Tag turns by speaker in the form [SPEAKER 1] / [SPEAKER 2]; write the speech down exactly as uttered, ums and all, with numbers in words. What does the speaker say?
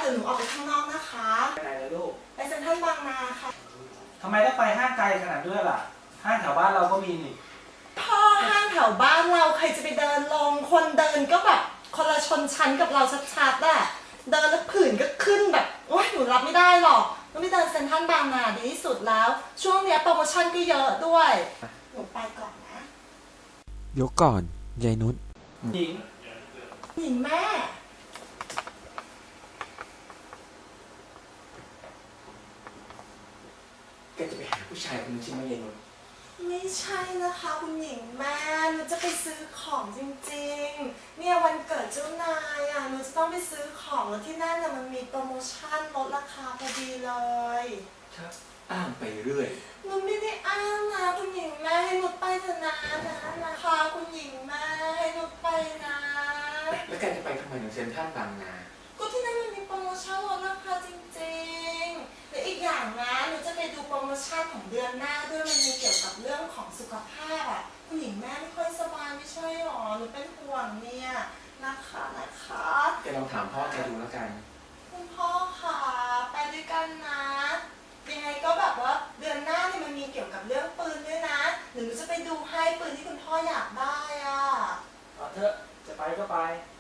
[SPEAKER 1] ยวหนูออกไปข้างนอกนะคะ
[SPEAKER 2] ไปไหนล่ะลูก
[SPEAKER 1] ไปเซ็นทรัลบางนาค่ะ
[SPEAKER 2] ทำไมต้องไปห้างไกลขนาดด้วยล่ะห้างแถวบ้านเราก็มีนี่
[SPEAKER 1] พ่อห้างแถวบ้านเราใครจะไปเดินลงคนเดินก็แบบคนละชนชั้นกับเราชัดๆอะเดินแล้วผื่นก็ขึ้นแบบโอ๊ยหนูรับไม่ได้หรอกต้องไปเดินเซ็นทรัลบางนาดีที่สุดแล้วช่วงนี้โปรโมชั่นก็เยอะด้วยหนูไปก่อนนะ
[SPEAKER 3] ยกก่อนยายนุช
[SPEAKER 2] หญิง
[SPEAKER 1] หญิงแม่
[SPEAKER 2] แกจะไปหาผู้ชายคนนึงใช่ไหมยายนุช
[SPEAKER 1] ไม่ใช่นะคะคุณหญิงแม่หนูจะไปซื้อของจริงๆเนี่ยวันเกิดเจ้านายอ่ะหนูจะต้องไปซื้อของแล้วที่นั่นน่ะมันมีโปรโมชั่นลดราคาพอดีเลย
[SPEAKER 2] ครับอ้างไปเรื่อย
[SPEAKER 1] หนูไม่ได้อ้างนะคุณหญิงแม่ให้หนูไปเถอะนะนะนะคะคุณหญิงแม่ให้หนูไปนะ
[SPEAKER 2] แล้วแกจะไปทำไมถึงเซ็นทรัลบางนา
[SPEAKER 1] ก็ที่นั่นมันมีโปรโมชั่นลดราคาจริงๆและอีกอย่างนะหนูจะไปดูโปรโมชั่นของเดือนหน้าด้วยมันมีเกี่ยวกับเรื่องของสุขภาพอ่ะคุณหญิงแม่ไม่ค่อยสบายไม่ใช่หรอหนูเป็นห่วงเนี่ยนะคะนะคะ
[SPEAKER 2] แกลองถามพ่อแกดูแล้วกัน
[SPEAKER 1] คุณพ่อค่ะไปด้วยกันนะยังไงก็แบบว่าเดือนหน้าเนี่ยมันมีเกี่ยวกับเรื่องปืนด้วยนะหนูจะไปดูให้ปืนที่คุณพ่ออยากได้อ่ะ
[SPEAKER 2] เอาเถอะจะไปก็ไป